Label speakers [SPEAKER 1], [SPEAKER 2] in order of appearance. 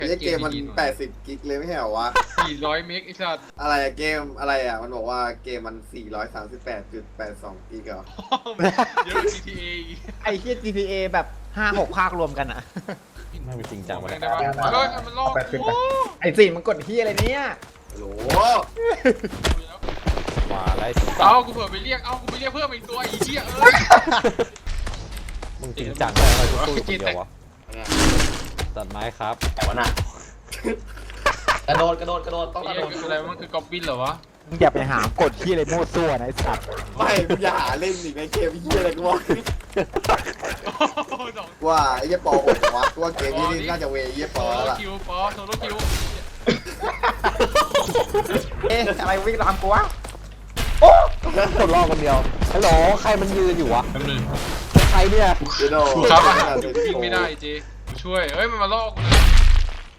[SPEAKER 1] นี่เกมมัน80กิกเลยไม่ใช่เหรอวะ
[SPEAKER 2] 400 เมกไอ้สัตว์
[SPEAKER 1] อะไรอะเกมอะไรอะมันบอกว่าเกมมัน438.82กิกเหรอ
[SPEAKER 2] เดี๋ยว GTA อีก
[SPEAKER 3] ไอ้เหี้ย GTA แบบ5-6 ภาครวมกันอ่ะ
[SPEAKER 4] ไม่เป็นจริงจังวะ
[SPEAKER 2] ได้
[SPEAKER 4] เนี่ย
[SPEAKER 2] ปะเฮ้ยมันลอกโอ้
[SPEAKER 3] ไอ้สิ่งมันกดเหี้ยอะไรเนี่ย
[SPEAKER 1] โหล
[SPEAKER 4] ว่าไร
[SPEAKER 2] เอากูเผื่อไปเรียกกูไปเรียกเพิ่มอีกตัวอีเหี้ย
[SPEAKER 4] มึงจริงจังเลยกูตู้อยู่คนเดียววะตัดไม้ครับ
[SPEAKER 5] แต่ว่าน่ะกระโดดต้องกระโดด
[SPEAKER 2] อะไรมันคือกอบบินเหรอวะ
[SPEAKER 3] มึงอย่าไปหากดเหี้ยอะไรมั่วซั่วนะไอ้สัตว์
[SPEAKER 1] ไม่มึงอย่าหาเล่นอีกในเกมเฮียอะไรกูว่าว่าไอ้เหี้ยปอผมวะกูว่าเกมนี้นี่น่าจะเวเหี้ยป
[SPEAKER 2] โซ
[SPEAKER 1] อ
[SPEAKER 2] โล
[SPEAKER 1] แล้วล่ะ
[SPEAKER 2] คิวปอโซโลคิว
[SPEAKER 3] เอ๊ะอะไรวิ่งตามกูวะ
[SPEAKER 4] คนรอคนเดียวฮัลโหลใครมันยืนอยู่วะ
[SPEAKER 2] แป๊บนึง
[SPEAKER 4] ใครเนี่ย
[SPEAKER 1] เดี๋ยวโด
[SPEAKER 2] ครับวิ่งไม่ได้เจช่วยเอ้ยมันมาลอกกูนะ